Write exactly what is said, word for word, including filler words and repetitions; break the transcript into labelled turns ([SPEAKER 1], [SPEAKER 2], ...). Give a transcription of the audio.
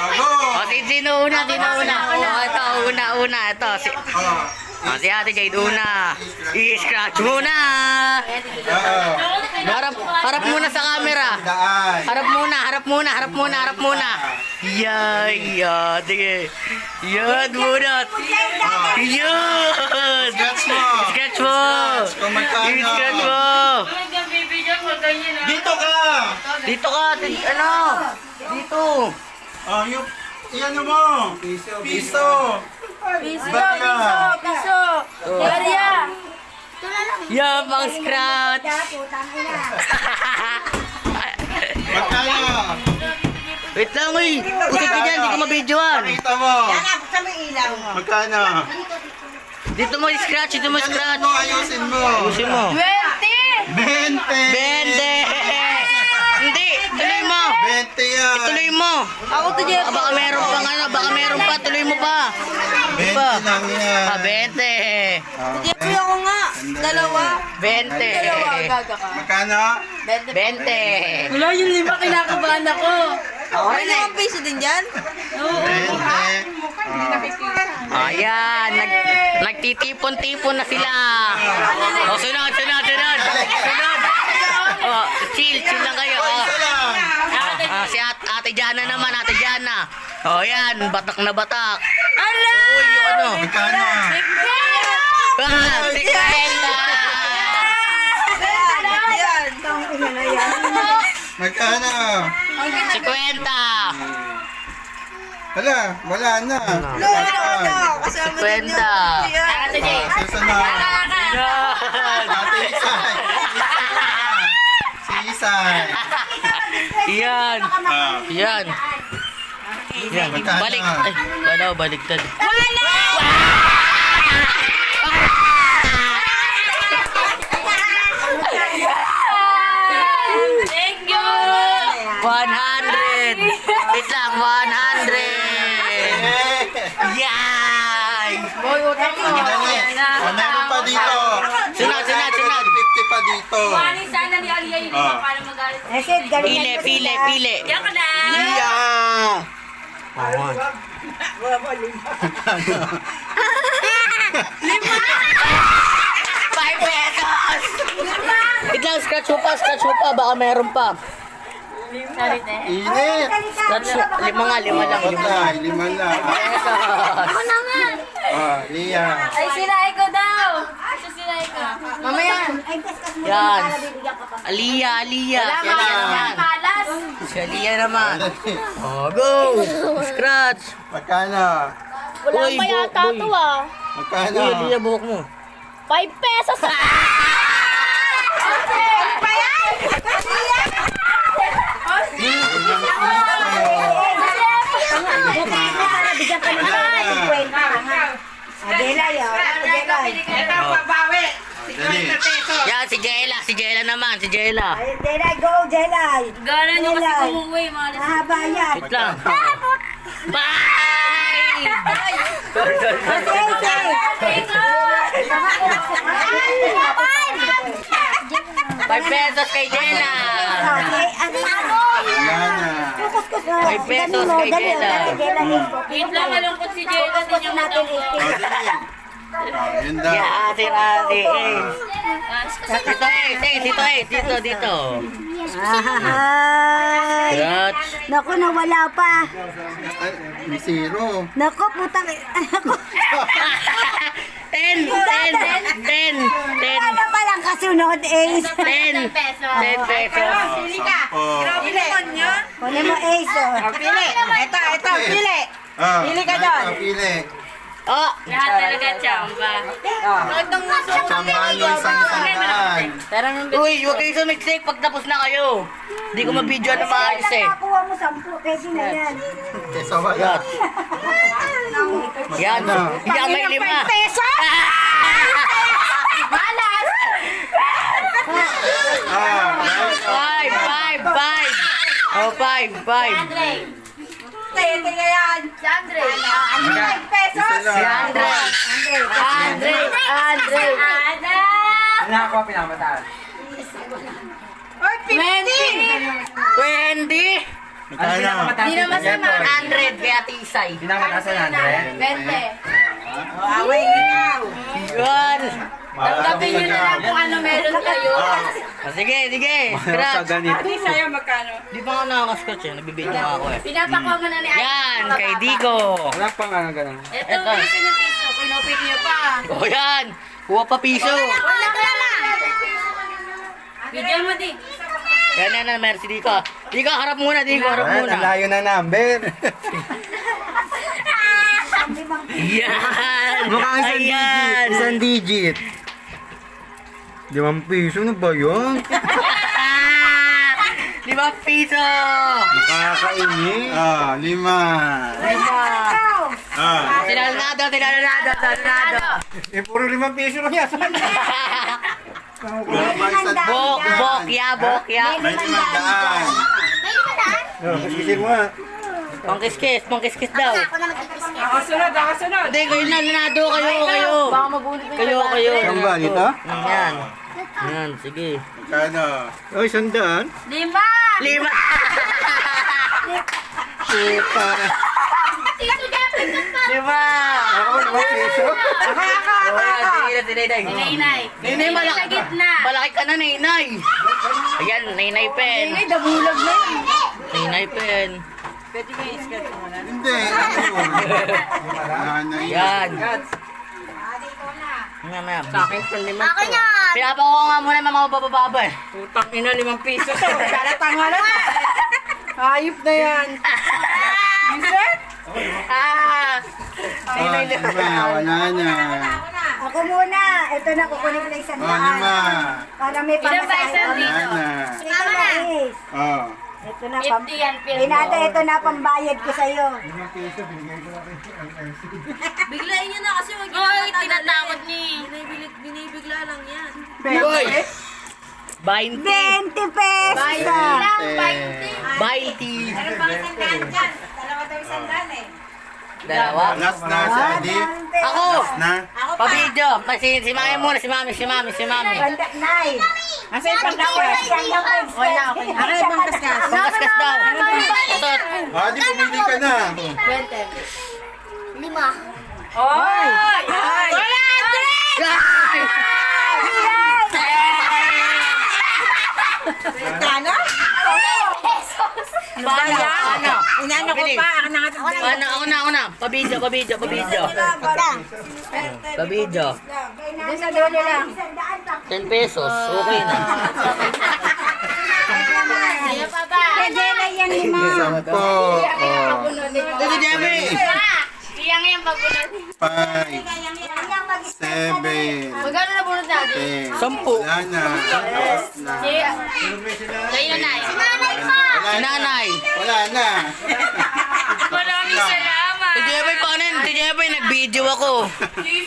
[SPEAKER 1] O, si sino una? Sino una? O, ito, una, una. Ito, si... O, si Ate Jade una. I-scratch muna. Harap, harap muna sa camera. Harap muna, harap muna, harap muna, harap muna. Yan, yan. Sige. Yan muna. Yan.
[SPEAKER 2] Scratch mo.
[SPEAKER 1] Scratch mo.
[SPEAKER 2] Kung magkano.
[SPEAKER 1] I-scratch mo.
[SPEAKER 2] Dito ka.
[SPEAKER 1] Dito ka. ti- Ano? Dito.
[SPEAKER 2] Oh, yung... Iyan mo. Piso. Piso.
[SPEAKER 3] Piso,
[SPEAKER 2] Baka.
[SPEAKER 3] piso, piso. Maria.
[SPEAKER 1] Yan, pang scratch.
[SPEAKER 2] Magkano.
[SPEAKER 1] Wait lang, uy. Usap ka dyan, hindi ko mabidyoan.
[SPEAKER 2] Pakita mo. Magkano.
[SPEAKER 1] Dito mo i-scratch, dito mo
[SPEAKER 2] Ganun
[SPEAKER 1] i-scratch.
[SPEAKER 2] mo, ayusin mo.
[SPEAKER 1] Ayusin mo.
[SPEAKER 3] Twenty.
[SPEAKER 2] Bente.
[SPEAKER 1] Bende! Hindi, tuloy mo.
[SPEAKER 2] Bente yan.
[SPEAKER 1] Tuloy mo.
[SPEAKER 3] Ako to dyan.
[SPEAKER 1] Ah, baka meron pang ano, baka meron pa, tuloy mo pa.
[SPEAKER 2] Bente
[SPEAKER 1] Pa.
[SPEAKER 2] lang yan.
[SPEAKER 1] Ah, bente.
[SPEAKER 3] Jepoy ako nga. Dalawa.
[SPEAKER 1] Bente.
[SPEAKER 3] Dalawa, gaga ka.
[SPEAKER 2] Magkano?
[SPEAKER 1] Bente.
[SPEAKER 3] Wala yung lima, kinakabahan ako.
[SPEAKER 1] Ako
[SPEAKER 3] May
[SPEAKER 1] rin eh.
[SPEAKER 3] limang piso din dyan? Oo.
[SPEAKER 2] Bente.
[SPEAKER 1] Ayan, nag, nagtitipon-tipon na sila. O, sunod, sunod, sunod. Sunod. O, chill, chill lang kayo. O.
[SPEAKER 2] Isa lang.
[SPEAKER 1] Ah, si At Ate Jana naman, Ate Jana. O, yan, batak na batak.
[SPEAKER 3] Ala!
[SPEAKER 1] Uy, yung ano?
[SPEAKER 2] Magkano?
[SPEAKER 1] Ah, si Kaela.
[SPEAKER 2] Magkano?
[SPEAKER 1] Si Kwenta.
[SPEAKER 2] Hala, wala na.
[SPEAKER 1] Si Kwenta.
[SPEAKER 3] Ate Jay.
[SPEAKER 2] Ah, susunod.
[SPEAKER 1] Yan.
[SPEAKER 2] Ate Isay. Si Isay.
[SPEAKER 1] Yan.
[SPEAKER 2] Ah,
[SPEAKER 1] Yan. Yan. Balik. Ay, ano, baliktad.
[SPEAKER 3] Thank you!
[SPEAKER 1] one hundred. Wait lang, one hundred. Yay!
[SPEAKER 3] Boy, utang mo.
[SPEAKER 2] Ang dali. Ah, meron pa dito.
[SPEAKER 1] Sunod, sunod, sunod.
[SPEAKER 2] fifty pa dito.
[SPEAKER 3] Mani sana ni Alia yung
[SPEAKER 2] Ah.
[SPEAKER 3] para magalit.
[SPEAKER 1] Pile, pile, pile.
[SPEAKER 3] Diyan ka na.
[SPEAKER 1] Yeah! Awan. Five pesos! Wait lang, scratch mo pa, scratch mo pa. Baka meron pa.
[SPEAKER 3] Salit eh.
[SPEAKER 2] Init.
[SPEAKER 1] Scratch mo. Lima nga, lima lang. Lima lang.
[SPEAKER 2] Patay, lima lang.
[SPEAKER 1] Pesos.
[SPEAKER 3] naman.
[SPEAKER 2] Ah, Lia.
[SPEAKER 3] Ay, sinay ko daw. Ito sinay ko.
[SPEAKER 1] Mamaya. Yan. Aliyah, Aliyah. Si Aliyah naman.
[SPEAKER 3] Palas.
[SPEAKER 1] Si Aliyah naman. Oh, go! Scratch!
[SPEAKER 2] Magkano?
[SPEAKER 3] Wala
[SPEAKER 1] Uy,
[SPEAKER 3] pa
[SPEAKER 1] bu-
[SPEAKER 3] yata
[SPEAKER 1] boy.
[SPEAKER 3] to ah.
[SPEAKER 2] Magkano?
[SPEAKER 1] Uy, Aliyah, buhok mo.
[SPEAKER 3] Five pesos. Pa yan?
[SPEAKER 4] Adela yun. Adela.
[SPEAKER 2] Dali.
[SPEAKER 1] Yan, si Jela. Si Jela naman. Si Jela.
[SPEAKER 4] Adela, go, Adela.
[SPEAKER 3] Gana nyo kasi kumuwi, mga alas.
[SPEAKER 4] Mahaba yan.
[SPEAKER 1] Wait lang. Bye! Sorry, sorry, sorry. Five pesos kay Jela.
[SPEAKER 4] Okay, ano?
[SPEAKER 2] Wala na.
[SPEAKER 4] Kuskus mo.
[SPEAKER 1] Five pesos kay Jela.
[SPEAKER 4] Adela,
[SPEAKER 3] Wait lang, malungkot si Jela. Hindi niya
[SPEAKER 4] natin
[SPEAKER 3] matangko.
[SPEAKER 2] Oh, dali. Ah, yun daw.
[SPEAKER 1] Yeah, ate, ate, Ace. Dito, Ace, Ace, dito, Ace, dito, dito.
[SPEAKER 4] Ay.
[SPEAKER 1] Scratch.
[SPEAKER 4] Naku, nawala pa.
[SPEAKER 2] Ay, may zero.
[SPEAKER 4] Naku, putang. Naku.
[SPEAKER 1] Ten, ten, ten, ten,
[SPEAKER 4] Ano pa lang kasunod, Ace?
[SPEAKER 1] ten, ten pesos.
[SPEAKER 2] Sampo.
[SPEAKER 4] Kunin mo, Ace, oh.
[SPEAKER 3] Pili. Ito, ito, pili.
[SPEAKER 2] Ah,
[SPEAKER 3] Pili ka
[SPEAKER 2] ay,
[SPEAKER 3] doon.
[SPEAKER 2] ah, Pili.
[SPEAKER 1] Oh,
[SPEAKER 3] Lahat talaga tsamba.
[SPEAKER 2] Sambahan yung isang isang daan.
[SPEAKER 1] uy, huwag kayo sumiksik pag tapos na kayo. Hindi ko mabidyo na maayos eh.
[SPEAKER 4] Nakuha mo sampu, pwede na yan.
[SPEAKER 2] Kesa wala.
[SPEAKER 1] Yan, yan may lima.
[SPEAKER 4] Pesos?
[SPEAKER 3] Malas!
[SPEAKER 2] Ah, right.
[SPEAKER 1] Five, five, five. Oh, five, five.
[SPEAKER 3] Tete nga yan. Si Andre. Five pesos.
[SPEAKER 2] Isa
[SPEAKER 1] Si
[SPEAKER 2] lang.
[SPEAKER 1] Andre. Andre, Andre.
[SPEAKER 3] Ada.
[SPEAKER 5] Nakakuha pinamataas.
[SPEAKER 3] Or fifty.
[SPEAKER 1] Twenty.
[SPEAKER 2] Magkano?
[SPEAKER 3] Hindi na masama.
[SPEAKER 1] one hundred kaya tisay.
[SPEAKER 5] Pinakamataas na Andre.
[SPEAKER 3] twenty.
[SPEAKER 4] Away ikaw.
[SPEAKER 1] Yan.
[SPEAKER 3] Tanggapin nyo na lang kung ano meron kayo.
[SPEAKER 1] Ah, sige, sige. Scratch.
[SPEAKER 3] Ate, sa'yo magkano?
[SPEAKER 1] Di pa ako nakaka-scratch eh. Nagbibidyo nga ako eh.
[SPEAKER 3] Pinapakuha mo na ni Ate.
[SPEAKER 1] Yan, kay Digo.
[SPEAKER 5] Wala pang ano ganun.
[SPEAKER 3] Ito,
[SPEAKER 1] Eto.
[SPEAKER 3] piso na piso. Kinupit niyo pa.
[SPEAKER 1] O yan. Kuha pa piso.
[SPEAKER 3] Wala ka na. Bigyan mo di.
[SPEAKER 1] Yan yan na, merci Digo. Digo, harap muna, Digo, harap
[SPEAKER 5] Ay,
[SPEAKER 1] muna.
[SPEAKER 5] ang layo na number.
[SPEAKER 1] Yan.
[SPEAKER 5] Mukhang isang digit.
[SPEAKER 1] Ayan.
[SPEAKER 5] Isang digit. Limang piso na ba yun?
[SPEAKER 1] Lima piso.
[SPEAKER 5] Nakakainit.
[SPEAKER 2] Ah, lima.
[SPEAKER 1] Lima.
[SPEAKER 2] Ah.
[SPEAKER 1] Tinanado, tinanado, tinanado.
[SPEAKER 5] Eh, puro limang piso lang yan.
[SPEAKER 1] Bok, bok, ya, bok, ya.
[SPEAKER 2] May limang daan.
[SPEAKER 5] Oh, kiskisin mo nga.
[SPEAKER 1] Pangkiskis, pangkiskis daw.
[SPEAKER 3] Nakasunod, nakasunod.
[SPEAKER 1] Hindi, kayo na, nanado kayo, kayo.
[SPEAKER 3] Baka mabulit mo
[SPEAKER 1] Kayo, kayo.
[SPEAKER 5] Ang ba dito?
[SPEAKER 1] Mm, Yan. Yan, sige.
[SPEAKER 2] Magkano?
[SPEAKER 5] Oh, isang daan.
[SPEAKER 3] Lima!
[SPEAKER 1] Lima.
[SPEAKER 5] Puta.
[SPEAKER 3] Tito Jeffrey ka pa!
[SPEAKER 1] Lima.
[SPEAKER 5] Ako, limang piso.
[SPEAKER 1] Oh, yan, sige na, sige na.
[SPEAKER 3] Ninay.
[SPEAKER 1] Ninay, malaki.
[SPEAKER 3] Sa gitna.
[SPEAKER 1] Malaki ka na, Ninay. Ayan, Ninay pen.
[SPEAKER 3] Ninay, dabulag na yun.
[SPEAKER 1] Ninay pen.
[SPEAKER 2] Hindi. Ano yun?
[SPEAKER 1] Yan. Yan na. Sa akin, lima.
[SPEAKER 3] Akin yan!
[SPEAKER 1] Pinapakuha nga muna yung mga bababa eh.
[SPEAKER 3] Putang ina, limang piso to. Dalatang nga lang. Hayop na yan. Vincent?
[SPEAKER 1] Ah!
[SPEAKER 2] Ah, lima. Wala na.
[SPEAKER 4] Ako muna. Ito na, kukunin ko na isang
[SPEAKER 2] Oh, lima.
[SPEAKER 4] daan. Para may
[SPEAKER 3] Ilan ba isang
[SPEAKER 4] pamasahe.
[SPEAKER 3] dito?
[SPEAKER 2] Wala na.
[SPEAKER 4] Ito na, Ace.
[SPEAKER 2] Oh.
[SPEAKER 4] Ito na, pam...
[SPEAKER 3] fifty yan, fifty.
[SPEAKER 4] Pinata, ito na pambayad ko sa'yo.
[SPEAKER 3] Biglayin nyo na kasi wag nyo Oy, tinatakot ni. Binibigla, binibigla lang yan.
[SPEAKER 1] Uy! Bainti.
[SPEAKER 4] twenty pesos.
[SPEAKER 3] Lang, twenty.
[SPEAKER 1] Bainti.
[SPEAKER 3] Meron pang isang daan dyan. Dalawa daw isang daan eh.
[SPEAKER 1] Dalawa.
[SPEAKER 2] Last na si Adit.
[SPEAKER 1] Ako!
[SPEAKER 2] Na.
[SPEAKER 3] Ako pa.
[SPEAKER 1] Pabidyo. Si, si mami muna, si mami, si mami, si mami.
[SPEAKER 4] Banda, nine.
[SPEAKER 3] Asa yung pangkaskas?
[SPEAKER 4] Wala, okay.
[SPEAKER 3] Ano yung pangkaskas?
[SPEAKER 1] Pangkaskas daw. Ito.
[SPEAKER 2] Ah, di bumili ka na.
[SPEAKER 3] twenty.
[SPEAKER 4] Lima.
[SPEAKER 3] Oy! Oy! Wala!
[SPEAKER 1] Guys!
[SPEAKER 3] Kano?
[SPEAKER 1] Paano? Paano?
[SPEAKER 3] Inano ko
[SPEAKER 1] Bilis.
[SPEAKER 3] pa, ako nangatag
[SPEAKER 1] Paano? Ako na, ako na. Pabidyo, pabidyo, pabidyo. Pabidyo.
[SPEAKER 3] Doon sa dulo lang.
[SPEAKER 1] ten pesos. Okay na.
[SPEAKER 3] Sa'yo pa ba?
[SPEAKER 4] Pwede na yan, lima.
[SPEAKER 2] Sampo. Oh.
[SPEAKER 1] Dito, Jemmy.
[SPEAKER 3] Iyang yan pagbunan.
[SPEAKER 2] Five. Seven.
[SPEAKER 3] Magkano na bunod natin?
[SPEAKER 2] Ten.
[SPEAKER 1] Sampu.
[SPEAKER 2] Wala na. Last na.
[SPEAKER 3] Kayo na. Si nanay pa!
[SPEAKER 2] Wala
[SPEAKER 1] Si
[SPEAKER 2] na.
[SPEAKER 1] nanay.
[SPEAKER 2] Wala na.
[SPEAKER 3] Maraming salamat.
[SPEAKER 1] Si Jeboy, paano yun? Si Jeboy, nag-video ako.